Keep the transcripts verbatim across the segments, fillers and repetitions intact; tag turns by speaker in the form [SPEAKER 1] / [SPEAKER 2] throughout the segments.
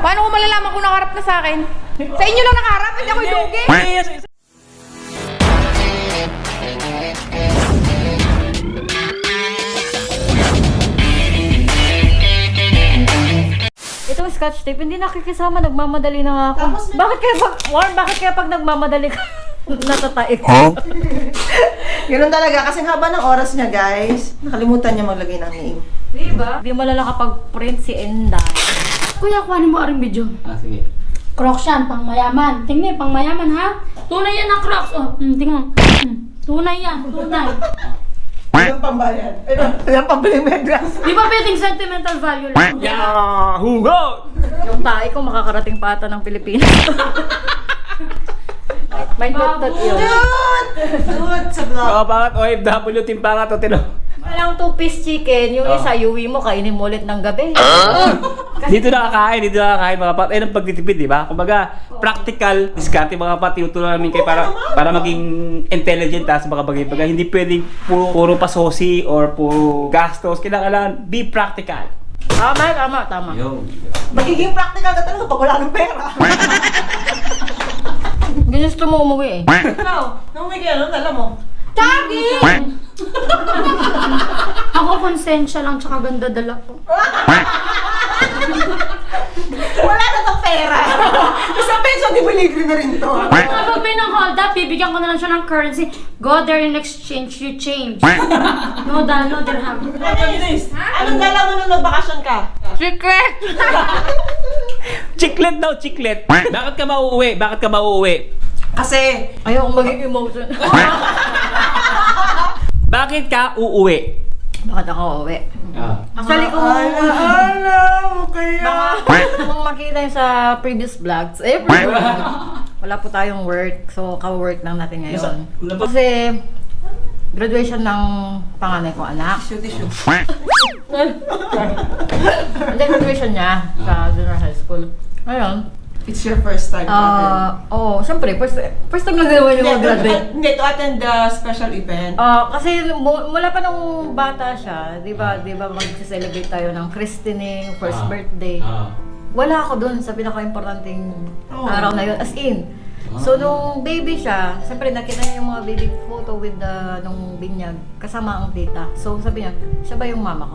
[SPEAKER 1] Paano ko malalaman kung nakaharap na sa akin? Sa inyo lang nakaharap, hindi ako yung lugi.
[SPEAKER 2] Itong scotch tape, hindi nakikisama, nagmamadali na nga ako. Bakit kaya pag, Warren, bakit kaya pag nagmamadali ka, natataik?
[SPEAKER 3] Huh?
[SPEAKER 4] Ganun talaga, kasi haba ng oras niya, guys. Nakalimutan niya maglagay ng name.
[SPEAKER 2] Diba? Hindi mo lala kapag print si Enday.
[SPEAKER 5] Kuya, kuhanin mo aring video.
[SPEAKER 3] Ah, sige.
[SPEAKER 5] Crocs yan, pang mayaman. Tingnan, pang mayaman ha. Tunay yan ang Crocs. Oh, hmm, tingnan. Hmm, tunay yan, tunay.
[SPEAKER 4] Ilang pambayan? Ilang pambiling megas?
[SPEAKER 5] Di ba pwedeng sentimental value lang?
[SPEAKER 3] Yahoo! Go!
[SPEAKER 2] Yung tae ko makakarating pa ata ng Pilipinas. May tot-tot yun.
[SPEAKER 4] Dude! Dude, sa vlog.
[SPEAKER 3] Mga pangat O F W, timpangat o tino.
[SPEAKER 2] Walang two-piece chicken, yung isa, yuwi mo, kainin mo ulit ng gabi.
[SPEAKER 3] Dito nakakain, dito nakakain mga pat. Ayun ang pagtitipid, di ba? Kumbaga, practical, diskarte mga pat. Tinutulungan namin kayo para para maging intelligent ha, sa mga bagay-bagay. Hindi pwedeng puro, puro pasosi or puro gastos. Kailangan be practical.
[SPEAKER 2] Tama, tama, tama.
[SPEAKER 3] Yo.
[SPEAKER 4] Magiging practical ka talaga pag wala ng pera.
[SPEAKER 2] Ginusto mo umuwi eh.
[SPEAKER 4] Ikaw, nung may gano'n, alam mo.
[SPEAKER 5] Tagi! Ako konsensya lang, tsaka ganda dala ko.
[SPEAKER 4] Wala na tong pera. Isang peso, di ba libre na rin to?
[SPEAKER 5] Kapag may nang hold up, bibigyan ko na lang siya ng currency. Go there in exchange, you change. No dal, no dirham.
[SPEAKER 4] Anong gala mo nung nagbakasyon ka?
[SPEAKER 2] Secret!
[SPEAKER 3] Chiclet daw, chiclet. Bakit ka mauuwi? Bakit ka mauuwi?
[SPEAKER 4] Kasi,
[SPEAKER 2] Ayaw kong maging emotion.
[SPEAKER 3] Bakit ka uuwi?
[SPEAKER 2] Bakit ako uwi?
[SPEAKER 3] Ah.
[SPEAKER 2] Actually, kung
[SPEAKER 4] alam mo kaya.
[SPEAKER 2] baka kung makita yun sa previous vlogs, eh, previous vlogs, wala po tayong work, so ka-work lang natin ngayon. Kasi, graduation ng panganay kong anak.
[SPEAKER 4] Tissue, tissue.
[SPEAKER 2] Hindi, graduation niya sa junior high school. Ngayon,
[SPEAKER 4] It's your first time to attend.
[SPEAKER 2] ah, oo, syempre, first, first time lang din naman yung
[SPEAKER 4] Hindi,
[SPEAKER 2] mag-graduate.
[SPEAKER 4] Hindi, to attend the special event.
[SPEAKER 2] Ah, kasi mu- mula pa nung bata siya, 'di ba? 'Di ba mag-celebrate tayo ng christening, first
[SPEAKER 3] Ah.
[SPEAKER 2] birthday.
[SPEAKER 3] Ah.
[SPEAKER 2] Wala ako doon sa pinaka-importanting
[SPEAKER 4] Oh.
[SPEAKER 2] araw na 'yon, as in. So nung baby siya, siyempre nakita niya yung mga baby photo with the nung binyag kasama ang tita. So sabi niya, siya ba yung mama ko?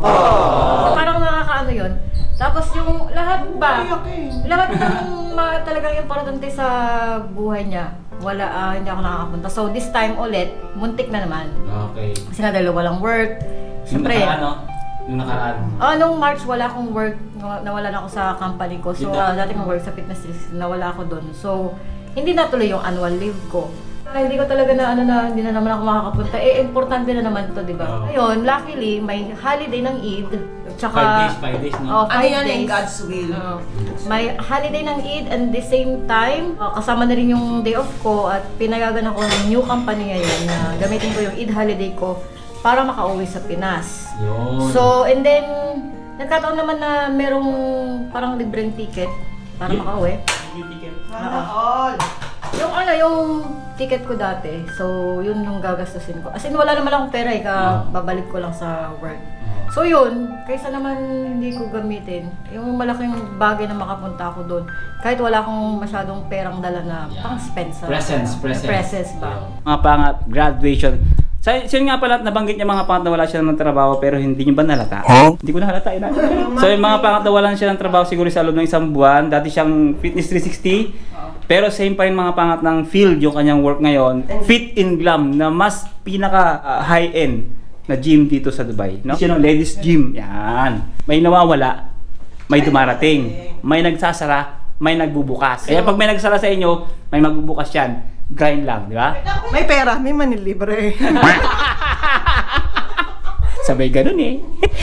[SPEAKER 2] So parang nakakaano 'yon. Tapos yung lahat ba? Lahat ng mga talagang importante sa buhay niya, wala ah, hindi ako nakakapunta. So this time ulit, muntik na naman.
[SPEAKER 3] Okay.
[SPEAKER 2] Kasi nga dahil walang work. Siyempre,
[SPEAKER 3] Yung nakaraan, no? Yung nakaraan.
[SPEAKER 2] ah, nung March wala akong work, naw- nawalan ako sa company ko. So,
[SPEAKER 3] Yun na.
[SPEAKER 2] uh, dati kong work sa fitness district, nawala ako doon. So, hindi natuloy yung annual leave ko. Ah, hindi ko talaga na ano na hindi na naman ako makakapunta. Eh, importante na naman to, di ba?
[SPEAKER 3] Oo.
[SPEAKER 2] Ngayon, luckily, may holiday ng Eid. Tsaka,
[SPEAKER 3] Five days, five days, no?
[SPEAKER 2] Oh,
[SPEAKER 4] Ano
[SPEAKER 2] five
[SPEAKER 4] yan
[SPEAKER 2] days.
[SPEAKER 4] yung God's will?
[SPEAKER 2] Oo. May holiday ng Eid and the same time, uh, kasama na rin yung day off ko at pinayagan ako ng new company ngayon na gamitin ko yung Eid holiday ko para makauwi sa Pinas.
[SPEAKER 3] Yun.
[SPEAKER 2] So, and then, nagkataon naman na merong parang libreng ticket para
[SPEAKER 3] Yeah.
[SPEAKER 2] makauwi.
[SPEAKER 4] Sana all.
[SPEAKER 2] Yung ano, yung ticket ko dati, so yun yung gagastusin ko. As in, wala naman akong pera eh, ka, babalik ko lang sa work. So yun, kaysa naman hindi ko gamitin, yung malaking bagay na makapunta ako doon, kahit wala akong masyadong perang dala na pang spend sa
[SPEAKER 3] Presents, presents.
[SPEAKER 2] presents ba.
[SPEAKER 3] Mga pangat, graduation. So, so yun nga pala, nabanggit niya mga pangat na wala siya ng trabaho pero hindi niyo ba nalata? Huh? Hindi ko nahalata. Ina. So yung mga pangat na wala siya ng trabaho siguro sa loob ng isang buwan. Dati siyang Fitness three sixty. Pero same pa rin mga pangat ng field yung kanyang work ngayon. Fit in Glam na mas pinaka uh, high-end na gym dito sa Dubai. No? Siya ng ladies gym. Yan. May nawawala, may dumarating, may nagsasara, may nagbubukas. Kaya pag may nagsara sa inyo, may magbubukas yan. Grind lang, di ba?
[SPEAKER 4] May pera, may manilibre.
[SPEAKER 3] Sabay ganun eh.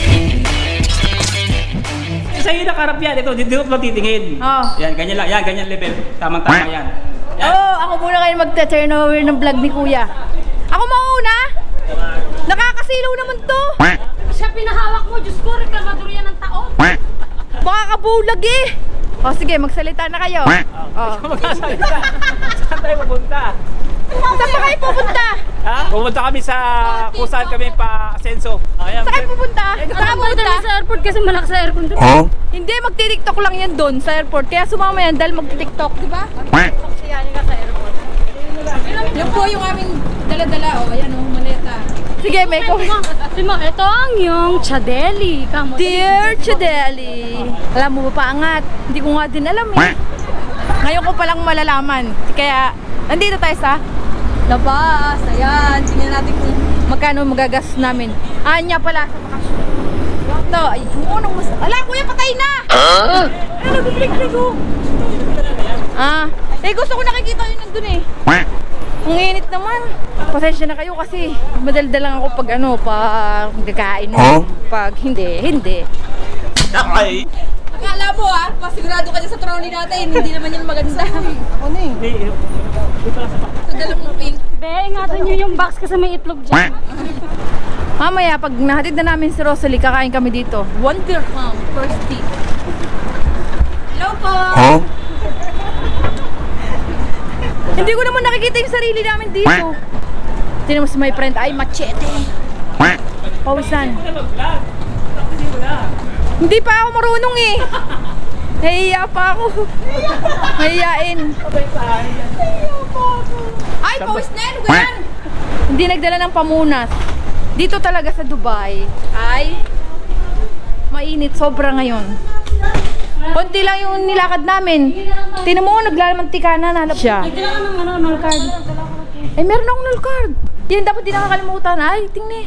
[SPEAKER 3] Sa'yo nakarap yan. Ito, dito ko titingin.
[SPEAKER 2] Oh.
[SPEAKER 3] Yan, ganyan lang. Yan, ganyan level. Tamang-tama yan. Yan.
[SPEAKER 1] Oo, oh, ako muna kayo magta-turnover ng vlog ni Kuya. Ako mauna? Nakakasilaw naman to.
[SPEAKER 5] Siya pinahawak mo, Diyos ko, reklamador yan ng taon.
[SPEAKER 1] Baka kabulag eh. O sige, magsalita na kayo. Oh.
[SPEAKER 3] Magkasalita. Saan tayo pupunta?
[SPEAKER 1] Saan pa kayo pupunta?
[SPEAKER 3] Ha? Pumunta kami sa kung saan kami pa asenso. Ayan.
[SPEAKER 1] Saan kayo pupunta? Saan kayo
[SPEAKER 5] Nakapagod
[SPEAKER 1] pupunta?
[SPEAKER 5] kami sa airport kasi malakas sa aircon doon.
[SPEAKER 1] Hindi, magti-tiktok lang yan doon sa airport. Kaya sumama yan dahil magti-tiktok, di ba?
[SPEAKER 2] Siyani ka sa airport.
[SPEAKER 1] Yan po yung aming dala-dala. O, ayan o, maleta. Sige, may ko.
[SPEAKER 5] Simo, ito ang yung Chadeli. Kamo.
[SPEAKER 1] Dear Chideli, alam mo ba paangat? Hindi ko nga din alam eh. Ngayon ko palang malalaman. Kaya, nandito tayo sa labas. Ayan, tingnan natin kung magkano magagas namin. Anya pala sa bakasyon. Ito, ay, yung unang mas... Ala, kuya, patay na! Huh? Ay, nag-blik-blik ko. Ah, eh gusto ko nakikita yun nandun eh. Ang init naman. Pasensya na kayo kasi madaldal lang ako pag ano, pag gagain. Pag hindi, hindi.
[SPEAKER 3] Ay.
[SPEAKER 1] Akala mo ah, pasigurado ka dyan sa trolley natin, hindi naman yan maganda.
[SPEAKER 4] Ako na eh.
[SPEAKER 1] Sa dalawang ng pink.
[SPEAKER 5] Be, ingatan nyo yung box kasi may itlog dyan.
[SPEAKER 1] Mamaya, pag nahatid na namin si Rosalie, kakain kami dito. One dirham per stick. Hello po! Hindi ko naman nakikita yung sarili namin dito. Tignan mo si my friend, ay machete. Pawisan. Hindi pa ako marunong eh. Nahiya pa ako. Nahiyain. Ay, pawis na yan. Yan. Hindi nagdala ng pamunas. Dito talaga sa Dubai ay mainit. Sobra ngayon. Konti lang yung nilakad namin. Tinan mo, naglalamantika na. Nalap siya.
[SPEAKER 5] Kailangan ng ano, null card.
[SPEAKER 1] Ay, meron akong null card. Yan dapat di nakakalimutan. Ay, tingni.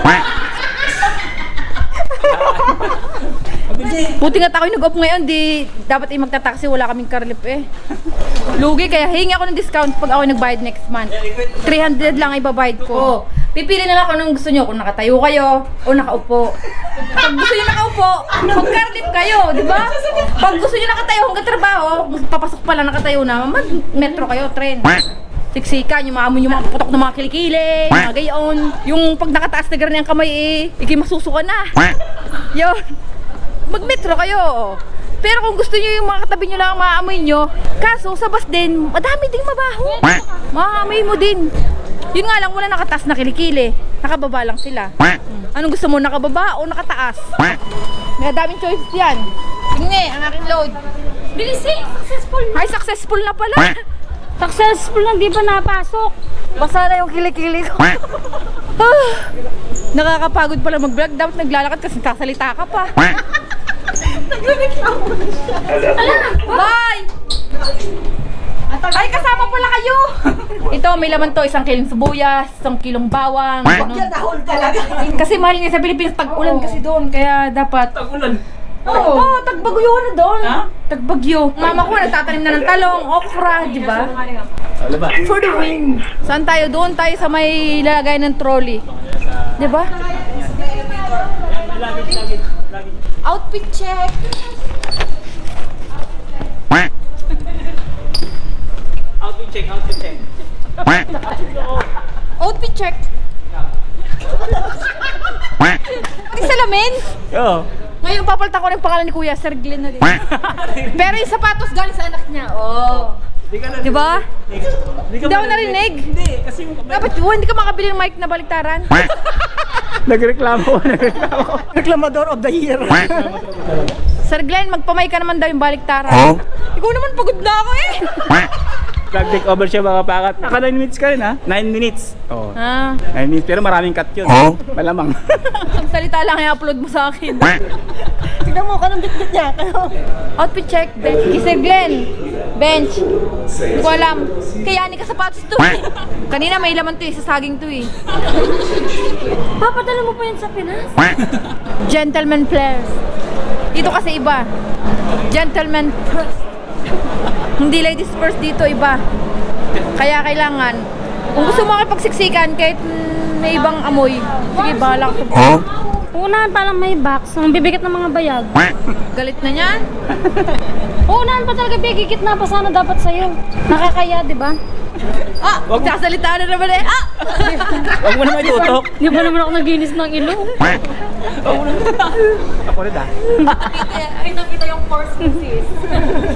[SPEAKER 1] Buti nga tako'y nag-off ngayon, di dapat ay magta-taxi, wala kaming karlip eh. Lugi, kaya hingi ako ng discount pag ako nagbayad next month. three hundred lang ibabayad ko. Pipili na lang kung anong gusto nyo, kung nakatayo kayo o nakaupo. Pag gusto nyo nakaupo, mag-karlip kayo, di ba? Pag gusto nyo nakatayo hanggang trabaho, papasok pala nakatayo na, mag-metro kayo, tren. Siksikan, yung mga yung mga putok ng mga kilikili, mga gayon. Yung pag nakataas na gano'n yung kamay eh, ikimasusuka na. Yun. Mag-metro kayo. Pero kung gusto nyo yung mga katabi nyo lang maamoy nyo, kaso sa bus din, madami ding mabaho. Maamoy mo din. Yun nga lang, wala nakataas na kilikili. Nakababa lang sila. Anong gusto mo, nakababa o nakataas? May daming choices yan. Tingnan, ang aking load.
[SPEAKER 5] Bilis eh, successful.
[SPEAKER 1] Ay, successful na pala.
[SPEAKER 5] Successful lang, di pa napasok.
[SPEAKER 1] Basa na yung kilikili ko. Ah, nakakapagod pala mag-vlog. Dapat naglalakad kasi kasalita ka pa. Nagreklamo na siya. Bye! Ay, kasama pala kayo! Ito, may laman to. Isang kilong sibuyas, isang kilong bawang. ganun.
[SPEAKER 4] Dahol talaga.
[SPEAKER 1] Kasi mahal nga sa Pilipinas, tag-ulan kasi doon. Kaya dapat...
[SPEAKER 3] Tagulan.
[SPEAKER 1] Oo, oh, tagbagyo na doon. Tagbagyo. Mama ko nagtatanim na ng talong, okra, di ba? For the win. Saan tayo? Doon tayo sa may lalagay ng trolley. Di ba? Outfit check.
[SPEAKER 3] Outfit check, outfit check.
[SPEAKER 1] Outfit check. Pati salamin.
[SPEAKER 3] Oo.
[SPEAKER 1] Ngayon papalitan ko ng pangalan ni Kuya, Sir Glenn na din. Pero yung sapatos galing sa anak niya. Oh. Di ba? Hindi ako narinig.
[SPEAKER 3] Hindi, kasi
[SPEAKER 1] Dapat yun, hindi ka makabili ng mic na baliktaran.
[SPEAKER 3] nagreklamo, nagreklamo.
[SPEAKER 4] Reklamador of the year.
[SPEAKER 1] Sir Glenn, magpamay ka naman daw yung baliktaran. Ikaw naman pagod na ako eh.
[SPEAKER 3] Vlog take over siya mga pakat. Naka nine minutes ka rin ha? nine minutes. Oo.
[SPEAKER 1] Ah,
[SPEAKER 3] nine minutes, pero maraming cut yun. Malamang.
[SPEAKER 1] ang salita lang i-upload mo sa akin.
[SPEAKER 4] Tignan mo, kanong bit-bit niya.
[SPEAKER 1] Outfit check, bench. Kay Sir Glenn, bench. Hindi ko alam. Kaya ni ka sapatos to eh. Kanina may laman to eh, sa saging to eh.
[SPEAKER 5] Papadala mo pa yun sa Pinas?
[SPEAKER 1] Gentleman players. Dito kasi iba. Gentleman first. Hindi ladies first dito, iba. Kaya kailangan, kung gusto mo makipagsiksikan kahit mm, may ibang amoy, sige, bahala ka sa
[SPEAKER 5] Unahan pa lang may box, ang bibigat ng mga bayag.
[SPEAKER 1] galit na niyan.
[SPEAKER 5] Unahan pa talaga bigigit na pa sana dapat sa'yo. Nakakaya, di ba?
[SPEAKER 1] Ah, magsasalita na naman eh. Ah!
[SPEAKER 3] Huwag mo naman itutok.
[SPEAKER 5] Di ba naman ako naginis ng ilong?
[SPEAKER 3] Ako rin ah.
[SPEAKER 1] Ay, nakita yung force sis.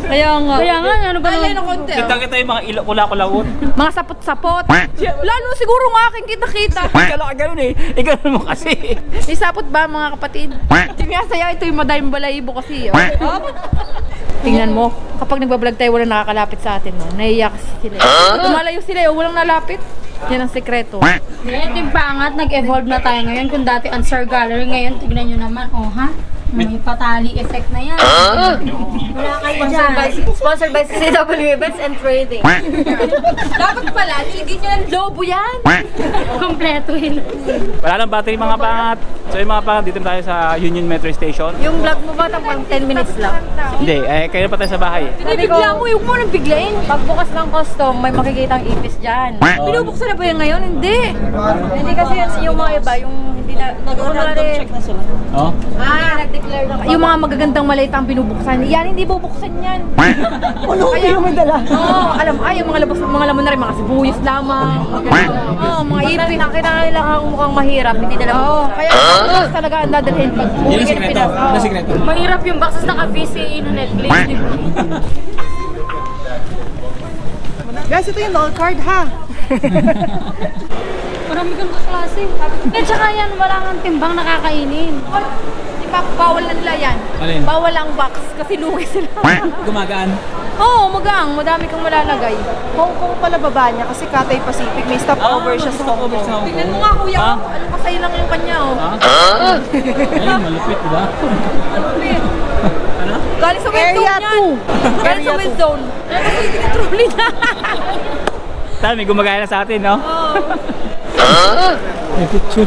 [SPEAKER 1] Kaya nga.
[SPEAKER 5] Kaya nga, ano ba
[SPEAKER 1] Kaya
[SPEAKER 5] naman?
[SPEAKER 1] na konti.
[SPEAKER 3] Kita
[SPEAKER 1] ah.
[SPEAKER 3] kita yung mga ilo kula-kulawot.
[SPEAKER 1] Mga sapot-sapot. Lalo siguro ng aking kita-kita.
[SPEAKER 3] Kala ka ganun eh. Ikaw mo kasi.
[SPEAKER 1] May sapot ba mga kapatid? Hindi nga saya, ito yung madayang balayibo kasi. Oh. Tingnan mo, kapag nagbablog tayo, walang nakakalapit sa atin. No? Naiiyak sila. Tumalayo sila, oh, walang nalapit. Yan ang sekreto.
[SPEAKER 5] Ito yung pangat, nag-evolve na tayo ngayon. Kung dati answer gallery, ngayon tignan nyo naman, oh ha? May patali effect na yan. Wala kayo
[SPEAKER 2] Sponsored by,
[SPEAKER 5] dyan.
[SPEAKER 2] sponsored by C W Events and Trading.
[SPEAKER 1] Dapat pala, niligid nyo ng lobo yan.
[SPEAKER 5] Kompleto yun.
[SPEAKER 3] Wala nang battery mga pangat. So yung mga pangat, dito tayo sa Union Metro Station.
[SPEAKER 2] Yung vlog mo ba pang ten minutes lang?
[SPEAKER 3] Hindi, eh, kayo pa tayo sa bahay.
[SPEAKER 1] Binibigla mo, huwag mo nang biglain.
[SPEAKER 2] Pagbukas ng custom, may makikita ang ipis dyan.
[SPEAKER 1] Binubuksan na ba yan ngayon? Hindi.
[SPEAKER 2] Hindi kasi yan yung mga iba, yung hindi na... Nag-random check na sila.
[SPEAKER 3] Oh?
[SPEAKER 2] Ah, nag-declare na.
[SPEAKER 1] Yung mga magagandang malita ang binubuksan. Yan, hindi bubuksan yan.
[SPEAKER 4] Ano, hindi naman dala.
[SPEAKER 1] Oo, alam, ay, yung mga labas, mga laman na rin, mga sibuyas lamang. Oo, mga ipis.
[SPEAKER 2] Nakita na nila kung mukhang mahirap, hindi nila
[SPEAKER 1] Oo, kaya uh, talaga ang dadalhin pag uwi ka ng Pinas. Oo.
[SPEAKER 3] sikreto?
[SPEAKER 5] Mahirap yung boxes naka-V C A na Netflix, di ba?
[SPEAKER 4] Guys, ito yung all card ha.
[SPEAKER 5] Marami kang kaklase. Eh, tsaka yan, wala kang timbang nakakainin.
[SPEAKER 1] Di ba, bawal na nila yan.
[SPEAKER 3] Alin?
[SPEAKER 1] Bawal ang box kasi lugi sila.
[SPEAKER 3] Gumagaan.
[SPEAKER 1] Oo, magang. Madami kang malalagay.
[SPEAKER 4] Hong Kong pala baba niya kasi Cathay Pacific. May stopover siya sa Hong Kong.
[SPEAKER 1] Tingnan mo nga, kuya.
[SPEAKER 3] Ah?
[SPEAKER 1] Oh. Ano pa sa'yo lang yung kanya, oh.
[SPEAKER 3] Ay, malupit, diba? Ano?
[SPEAKER 1] Galing sa wind
[SPEAKER 4] Area
[SPEAKER 1] zone yan.
[SPEAKER 4] two.
[SPEAKER 1] Galing sa
[SPEAKER 4] Area
[SPEAKER 1] wind
[SPEAKER 4] two.
[SPEAKER 1] zone. Kaya kasi tinitruli niya.
[SPEAKER 3] Tayo, may gumagaya na sa atin, no? May picture.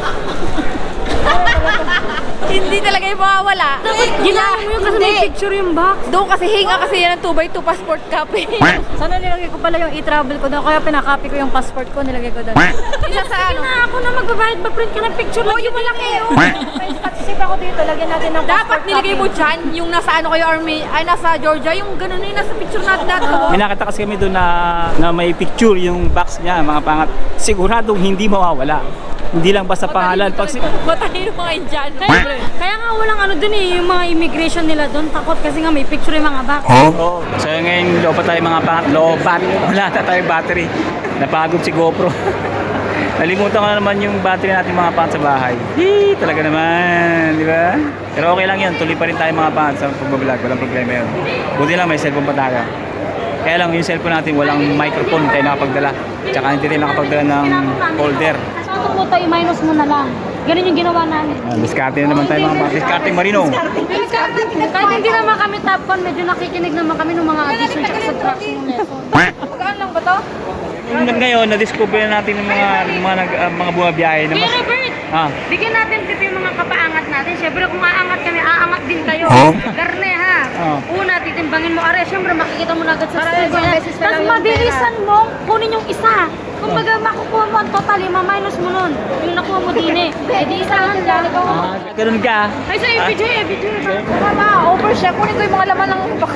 [SPEAKER 1] Hindi talaga yung mawawala.
[SPEAKER 5] Dapat ginawa mo yun kasi may picture yung box.
[SPEAKER 1] Doon kasi hinga kasi yan ang two by two passport copy.
[SPEAKER 2] Sana nilagay ko pala yung e-travel ko doon, kaya pinakopy ko yung passport ko, nilagay ko doon.
[SPEAKER 1] Isa sa ano.
[SPEAKER 5] Na ako na magbabayad, mag-print ka ng picture.
[SPEAKER 1] Oh, yung malaki, oh.
[SPEAKER 2] May statistic ako dito, lagyan natin ng passport
[SPEAKER 1] Dapat nilagay mo
[SPEAKER 2] copy.
[SPEAKER 1] dyan, yung nasa ano kayo, army, ay nasa Georgia, yung ganun na yung nasa picture natin natin.
[SPEAKER 3] May nakita kasi kami doon na, na may picture yung box niya, mga pangat. Siguradong hindi mawawala. Hindi lang basta pangalan. Pag si-
[SPEAKER 1] Matalino mga Indiano.
[SPEAKER 5] Kaya, kaya nga walang ano dun eh, yung mga immigration nila dun, takot kasi nga may picture yung mga box.
[SPEAKER 3] Oo. So ngayon, lobat tayo mga pangat. Lobat. Wala na tayong battery. Napagod si GoPro. Nalimutan ko na naman yung battery natin mga pangat sa bahay. Hii, talaga naman. Di ba? Pero okay lang yun. Tuloy pa rin tayo mga pangat sa pagbablog. Walang problema yun. Buti lang may cellphone pa tayo. Kaya lang yung cellphone natin walang microphone tayo nakapagdala. Tsaka hindi tayo nakapagdala ng holder.
[SPEAKER 5] Sa ito po tayo, minus mo na lang. Ganun yung ginawa namin.
[SPEAKER 3] Ah, diskarte na naman tayo mga pangat. Diskarte Marino.
[SPEAKER 5] Kahit hindi naman kami top one, medyo nakikinig naman kami ng mga addition at subtraction ng lesson.
[SPEAKER 1] Magkaan lang ba to?
[SPEAKER 3] Yung ngayon, na-discover na natin yung mga, mga, nag, ah, mga bumabiyahe na
[SPEAKER 5] Kuya
[SPEAKER 3] mas...
[SPEAKER 5] Robert,
[SPEAKER 3] Ah,
[SPEAKER 5] bigyan natin tip yung mga kapaangat natin. Siyempre kung aangat kami, aangat din kayo. Garne ha.
[SPEAKER 3] Oh.
[SPEAKER 5] Una, titimbangin mo. Are, siyempre makikita mo na agad sa screen.
[SPEAKER 2] isang beses na
[SPEAKER 5] Tapos
[SPEAKER 2] lang yung
[SPEAKER 5] mabilisan mo, kunin yung isa. Kung baga makukuha mo ang totally, ma-minus mo nun. Yung nakuha mo din eh. Eh di isa lang lang.
[SPEAKER 3] ah, ganun ka.
[SPEAKER 5] Ay, sa video eh, video eh.
[SPEAKER 1] Mama, over siya. Kunin ko yung mga laman ng box.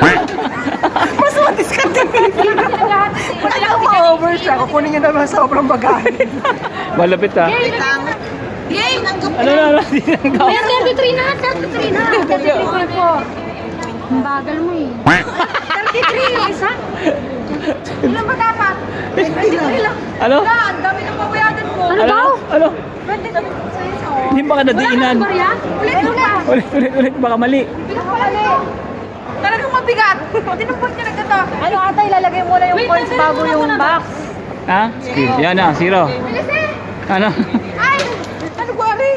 [SPEAKER 4] Mas madiskarte Pilipino. Pati ako ma-over siya. Kukunin niya naman sa sobrang bagahe.
[SPEAKER 3] Malapit ah.
[SPEAKER 1] Yay!
[SPEAKER 3] Ano na, ano? Hindi lang ka.
[SPEAKER 5] Ayan, thirty-three na, thirty-three na. thirty-three po po. Ang bagal mo eh. thirty-three yung isa.
[SPEAKER 1] Ilan ba dapat?
[SPEAKER 3] Ano?
[SPEAKER 1] Wala, ang dami ng pabayadan mo.
[SPEAKER 5] Ano daw?
[SPEAKER 3] Ano?
[SPEAKER 1] twenty sa iyo.
[SPEAKER 3] Hindi ba ka nadiinan?
[SPEAKER 5] Wala ka ba
[SPEAKER 1] Ulit, ulit.
[SPEAKER 3] Ulit, ulit, ulit. Baka mali.
[SPEAKER 1] Bilang pala ni. Talagang mabigat. Tinumpot niya na gata.
[SPEAKER 2] Ano ata, ilalagay mo na yung
[SPEAKER 5] Wait,
[SPEAKER 2] coins
[SPEAKER 5] nandun
[SPEAKER 2] bago
[SPEAKER 5] muna
[SPEAKER 2] yung
[SPEAKER 5] muna.
[SPEAKER 2] box.
[SPEAKER 3] Ha? Yan na, zero.
[SPEAKER 1] Bilis eh.
[SPEAKER 3] Ano?
[SPEAKER 1] Ay! Ano ba, Ari?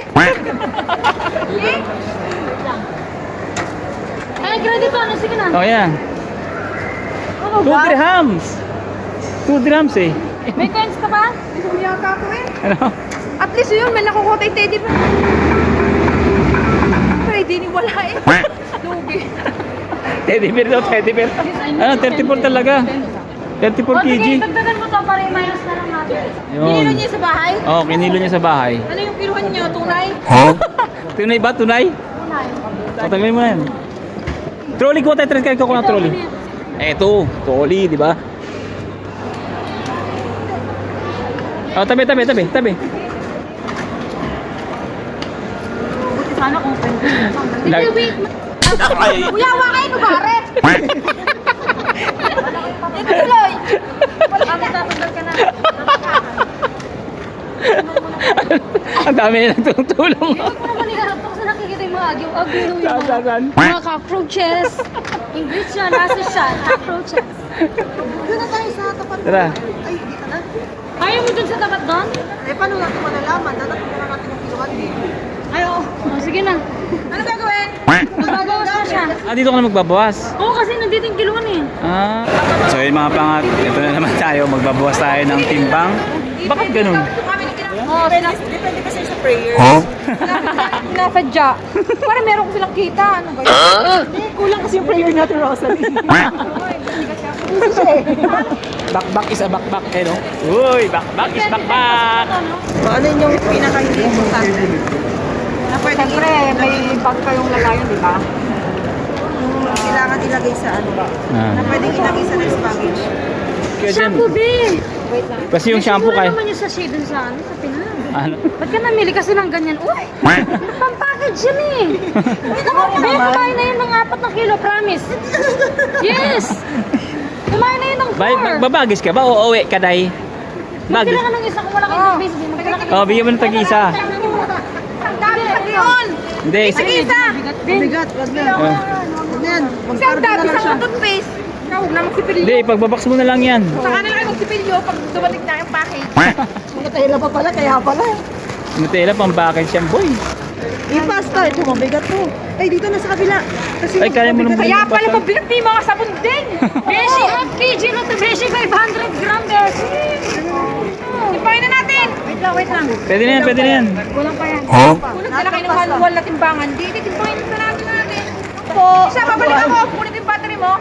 [SPEAKER 5] Ay, credit ano, sige na.
[SPEAKER 3] Oh, yan.
[SPEAKER 1] Ano
[SPEAKER 3] Two dirhams. Two dirhams eh.
[SPEAKER 5] May coins ka ba?
[SPEAKER 1] Hindi ko yata ko eh.
[SPEAKER 3] Ano?
[SPEAKER 1] At least yun, may nakukuha tayo teddy pa. Pero hindi ni wala eh. Lugi.
[SPEAKER 3] Teddy bear daw, teddy bear. Ano, thirty-four talaga. thirty-four
[SPEAKER 5] O sige,
[SPEAKER 3] kilograms.
[SPEAKER 5] dagdagan mo to para i-minus na lang natin.
[SPEAKER 1] Kinilo
[SPEAKER 3] Yun.
[SPEAKER 1] niya sa bahay?
[SPEAKER 3] Oh, kinilo niya sa bahay.
[SPEAKER 1] Ano yung kiluhan niyo? Tunay?
[SPEAKER 3] Tunay ba? Tunay? O, tanggalin mo na yan. Trolley ko tayo, trend ko ng trolley. Eto, trolley, di ba? Oh, tabi, tabi, tabi, tabi.
[SPEAKER 2] Buti sana kung pwede.
[SPEAKER 3] Lag-
[SPEAKER 5] Wait,
[SPEAKER 1] Kuya, wakay ko ba, Are?
[SPEAKER 3] dami na nagtutulong.
[SPEAKER 5] Huwag mo naman iharap ako sa nakikita yung mga agyo-agyo. Yung
[SPEAKER 3] Saan, saan, saan?
[SPEAKER 5] mga, mga cockroaches. English yan, nasa siya, cockroaches.
[SPEAKER 2] Doon na tayo sa tapat.
[SPEAKER 3] Tara.
[SPEAKER 2] Ay, dito na.
[SPEAKER 5] Ayaw mo dun sa tapat doon?
[SPEAKER 2] Eh, paano natin malalaman? Dapat na natin yung kiluan eh.
[SPEAKER 5] Ay, oo. Oh, sige na.
[SPEAKER 2] Ano gagawin?
[SPEAKER 5] Magbabawas na siya.
[SPEAKER 3] Ah, dito ka na magbabawas.
[SPEAKER 5] Oo, kasi nandito yung kiluan eh.
[SPEAKER 3] Ah. So yun mga pangat, ito na naman tayo. Magbabawas tayo ng timbang. Bakit ganun?
[SPEAKER 1] Oo,
[SPEAKER 2] Depende kasi sa prayer.
[SPEAKER 1] sinasadya. Para meron ko silang kita. Ano ba yun?
[SPEAKER 2] Kulang kasi yung prayer natin, Rosalie.
[SPEAKER 3] Bakbak is a bakbak, eh no? Uy, bakbak is bakbak!
[SPEAKER 2] Ano yung pinaka-hindi importante? Na pwede siyempre, may bag kayong lagayan, di ba? Yung kailangan ilagay sa ano ba?
[SPEAKER 3] Ah.
[SPEAKER 2] Na pwedeng ilagay sa next baggage.
[SPEAKER 3] Kaya dyan,
[SPEAKER 5] Shampoo, B!
[SPEAKER 3] kasi yung shampoo
[SPEAKER 5] Siguro
[SPEAKER 3] kay...
[SPEAKER 5] naman yung sachet dun sa ano, sa Pinas.
[SPEAKER 3] Ano?
[SPEAKER 5] Ba't ka namili kasi ng ganyan? Uy! Pampackage yan eh! Hindi naman, Be, kumain na yun ng apat na kilo, promise! Yes! Kumain na yun ng
[SPEAKER 3] Bay,
[SPEAKER 5] four!
[SPEAKER 3] magbabagis ka ba o uwi ka, day? Bagis.
[SPEAKER 5] Magkila ka ng isa kung wala kang space, B. Magkila ka
[SPEAKER 3] Oh, bigyan mo ng tag-isa.
[SPEAKER 1] Ang dami sa yun!
[SPEAKER 3] Hindi, isa.
[SPEAKER 1] Isa!
[SPEAKER 2] Bigat, wag na.
[SPEAKER 3] Oh.
[SPEAKER 2] Wag na yan.
[SPEAKER 1] Isang
[SPEAKER 2] Mag-carve
[SPEAKER 1] dami
[SPEAKER 2] na lang
[SPEAKER 1] sa
[SPEAKER 2] siya.
[SPEAKER 1] toothpaste. Huwag na magsipilyo.
[SPEAKER 3] Hindi, pagbabox mo na lang yan.
[SPEAKER 1] Saka na lang kayo magsipilyo pag dumating na yung package.
[SPEAKER 2] Matahila pa pala, kaya pala.
[SPEAKER 3] Nutella, pang-package yan, boy.
[SPEAKER 2] I-pasta, ito mabigat to. Ay, dito na sa kabila. Kasi
[SPEAKER 3] Ay, kaya mo nang
[SPEAKER 1] Kaya
[SPEAKER 3] bumili
[SPEAKER 1] pala
[SPEAKER 3] pa.
[SPEAKER 1] mabigat na yung mga sabon din.
[SPEAKER 5] Beshi, half kg na to, Beshi, five hundred gram, Beshi!
[SPEAKER 1] Timpahin na natin.
[SPEAKER 2] Wait lang, wait lang.
[SPEAKER 3] Pwede na yan, pwede na yan.
[SPEAKER 5] Kulang pa yan.
[SPEAKER 1] Kulang sila kayo ng manual na timbangan. Di, di, timpahin na natin natin. Po. Isa, babalik ako. Kunin yung battery mo.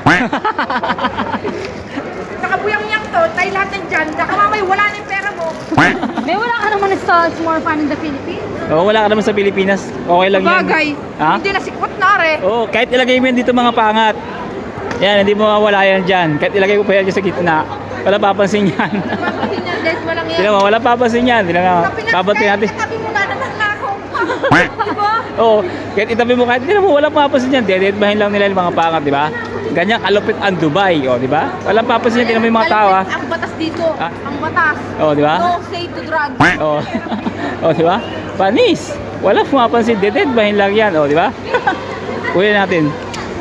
[SPEAKER 1] Saka buyang-yang to. Tayo lahat ng dyan. Saka mamay, wala na yung pera mo.
[SPEAKER 5] May wala ka naman sa more fun in the Philippines.
[SPEAKER 3] Oo, wala ka naman sa Pilipinas. Okay lang yan.
[SPEAKER 1] Bagay.
[SPEAKER 3] Ha?
[SPEAKER 1] Hindi na sikwat na are.
[SPEAKER 3] Oo, kahit ilagay mo yan dito mga pangat. Yan, hindi mo mawala yan dyan. Kahit ilagay ko pa yan dyan sa gitna. Wala papansin yan.
[SPEAKER 1] Papasin yan. Dahil mo lang yan.
[SPEAKER 3] Hindi mo, wala papansin yan. Hindi na babantin natin.
[SPEAKER 1] Tabi mo na naman na ako. Diba?
[SPEAKER 3] Oo, kahit itabi mo kahit hindi mo, wala papansin yan. Dededmahin lang nila yung mga pangat, di ba? Ganyan kalupit ang Dubai, o, di ba? Wala papansin yan. Tingnan mo yung mga tao, ha?
[SPEAKER 1] Ang batas dito.
[SPEAKER 3] Ah.
[SPEAKER 1] Ang batas.
[SPEAKER 3] Oo, di ba?
[SPEAKER 1] No say to drugs.
[SPEAKER 3] Oo. Oo, di ba? Panis. Wala pumapansin. Dededmahin lang yan, o, di ba? Kuya natin.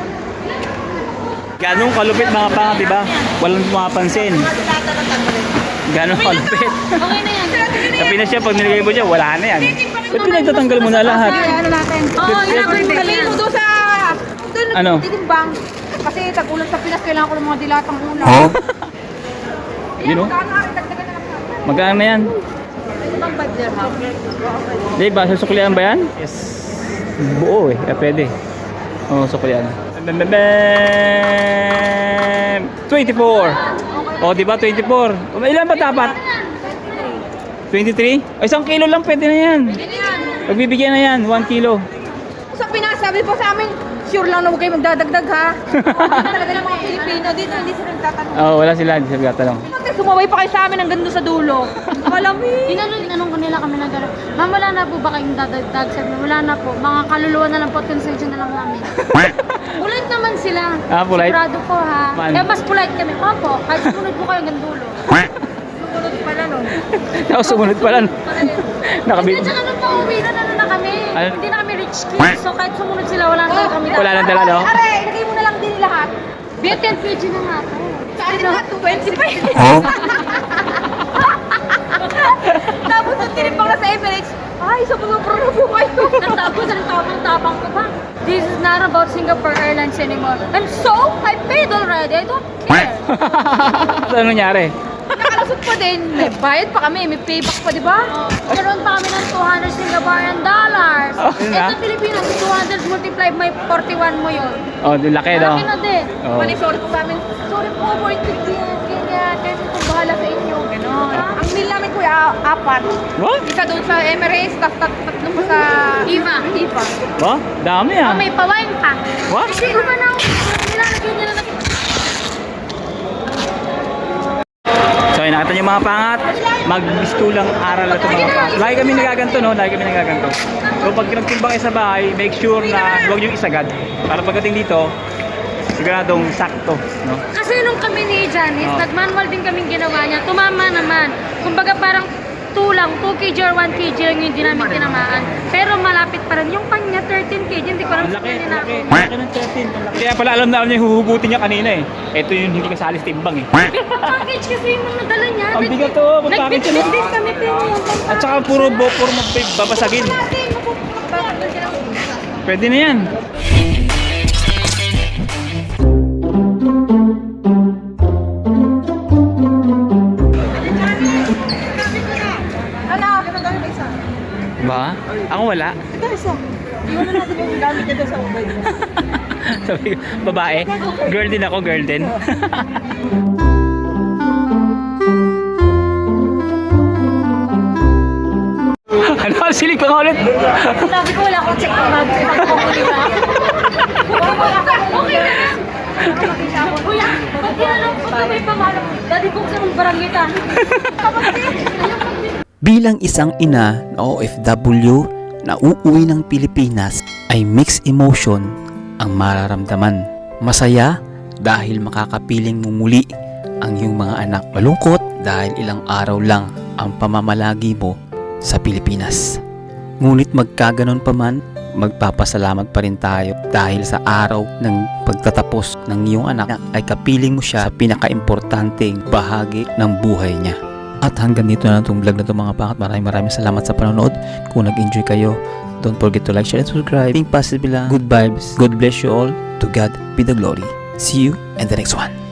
[SPEAKER 3] Ganong kalupit mga pangat, di ba? Walang pumapansin. Ganong kalupit.
[SPEAKER 5] Okay na yan.
[SPEAKER 3] Sa Pinas siya, pag nilagay mo dyan, wala na yan. Ba't pinagtatanggal mo na lahat?
[SPEAKER 1] Ano natin?
[SPEAKER 5] Oo, ilagay mo
[SPEAKER 1] Dali mo doon sa... Doon
[SPEAKER 3] Ano?
[SPEAKER 1] titimbang. Kasi tag-ulan sa Pinas, kailangan ko ng mga dilatang ulam.
[SPEAKER 3] You know?
[SPEAKER 1] Magkano nga rin, dagdagan na lang natin.
[SPEAKER 3] Magkano na yan?
[SPEAKER 1] Ibang five dirham.
[SPEAKER 3] Di ba? Susuklian ba yan? Yes. Buo eh. Eh, pwede. Oo, oh, suklian. Bam, bam, bam. twenty-four. O, oh, di ba? twenty-four. O, ilan ba dapat? twenty-three? O, isang kilo lang pwede na yan. Pagbibigyan na yan, one kilo.
[SPEAKER 1] Sa Pinas, sabi po sa amin, sure lang na huwag kayo magdadagdag ha. Talaga ng mga Pilipino, dito hindi sila nagtatanong.
[SPEAKER 3] Oo, oh, wala sila. Hindi sila gatalong.
[SPEAKER 1] Bakit sumabay pa kayo sa amin hanggang doon sa dulo? Malamig.
[SPEAKER 5] Inanong, inanong ko nila kami na gano'n. Ma'am, wala na po ba kayong dadagdag? Sabi na, wala na po. Mga kaluluwa na lang po at concession na lang namin. Polite naman sila.
[SPEAKER 3] Ah, polite?
[SPEAKER 5] Sigurado po ha.
[SPEAKER 3] Man.
[SPEAKER 5] Kaya mas polite kami. Opo, kahit sumunod po kayo hanggang dulo.
[SPEAKER 1] Sumunod pala no.
[SPEAKER 3] Tapos sumunod pala. Nakabit.
[SPEAKER 5] Hindi, tsaka nung pauwi na ano na kami.
[SPEAKER 3] Ano?
[SPEAKER 5] Hindi na kami rich kids. So kahit sumunod sila, wala na talaga kami.
[SPEAKER 3] Wala nang dala, no?
[SPEAKER 1] Are, ilagay mo na lang din lahat.
[SPEAKER 5] Be, ten kg na nga po.
[SPEAKER 1] Sa akin lahat, twenty-five. Tapos nung tinimbang na sa Emirates, ay, sobrang pro po kayo.
[SPEAKER 5] Tapos ang tapang-tapang ko pa. This is not about Singapore Airlines anymore. And so, I paid already. I don't care.
[SPEAKER 3] Ano nangyari?
[SPEAKER 1] Nakalusot pa din. May bayad pa kami, may payback pa, di ba?
[SPEAKER 5] Meron pa kami ng two hundred Singaporean dollars.
[SPEAKER 3] Oh, yun
[SPEAKER 5] Eh
[SPEAKER 3] na?
[SPEAKER 5] sa Pilipinas, two hundred multiplied by forty-one mo yun.
[SPEAKER 3] Oh, di laki, no?
[SPEAKER 5] Laki na din.
[SPEAKER 3] Oh.
[SPEAKER 1] Mali, sorry po sa amin. Sorry po, for inconvenience. Ganyan, kaya itong bahala sa inyo. Ganon. Ang meal namin, kuya, apat.
[SPEAKER 3] What?
[SPEAKER 1] Isa doon sa Emirates, tapos tat tatlo pa sa
[SPEAKER 5] Iva.
[SPEAKER 1] Iva.
[SPEAKER 3] What? Dami ah.
[SPEAKER 5] Oh, may pa-wine pa.
[SPEAKER 3] What?
[SPEAKER 5] Kasi ko pa na, nilalagyan niya na
[SPEAKER 3] So, yun, nakita niyo mga pangat, mag-schoolang aral na ito mga pangat. Lagi kami nagaganto, no? Lagi kami nagaganto. So, pag nagtimbang kayo sa bahay, make sure na huwag yung isagad. Para pagdating dito, siguradong sakto, no?
[SPEAKER 5] Kasi nung kami ni Janice,
[SPEAKER 3] Oh.
[SPEAKER 5] nag-manual din kaming ginawa niya. Tumama naman. Kumbaga parang two lang, two kilogram or one kilogram lang yung hindi namin tinamaan. Pero malapit pa rin. Yung kanya, thirteen kilogram, hindi ko lang
[SPEAKER 3] Laki,
[SPEAKER 5] saan nila ako.
[SPEAKER 3] laki. Laki ng thirteen. Kaya pala alam na alam niya yung huhugutin niya kanina eh. Ito yung hindi kasali sa timbang eh.
[SPEAKER 5] Package kasi yung mga dala niya.
[SPEAKER 3] Ang bigat to, mag-package siya.
[SPEAKER 5] Nag-business kami pero yung pampakit.
[SPEAKER 3] At saka puro bo, puro magbabasagin. Pwede na yan. Ba? Ako wala.
[SPEAKER 4] Ito isa. Iwan na natin yung gamit niya doon sa ubay.
[SPEAKER 3] Sabi ko, babae. Girl din ako, girl din. Ano? Silig pa nga ulit.
[SPEAKER 5] Sabi ko wala akong check ng bag. Okay na. Okay na. Kuya, pag tinanong ko ito may pangalan. Daddy buksan ng barangay ta.
[SPEAKER 6] Bilang isang ina na O F W na uuwi ng Pilipinas ay mixed emotion ang mararamdaman. Masaya dahil makakapiling mo muli ang iyong mga anak. Malungkot dahil ilang araw lang ang pamamalagi mo sa Pilipinas. Ngunit magkaganon pa man, magpapasalamat pa rin tayo dahil sa araw ng pagtatapos ng iyong anak ay kapiling mo siya sa pinakaimportanteng bahagi ng buhay niya. At hanggang dito na itong vlog na ito mga pangat. Maraming maraming salamat sa panonood. Kung nag-enjoy kayo, don't forget to like, share, and subscribe. Think positive lang. Good vibes. God bless you all. To God be the glory. See you in the next one.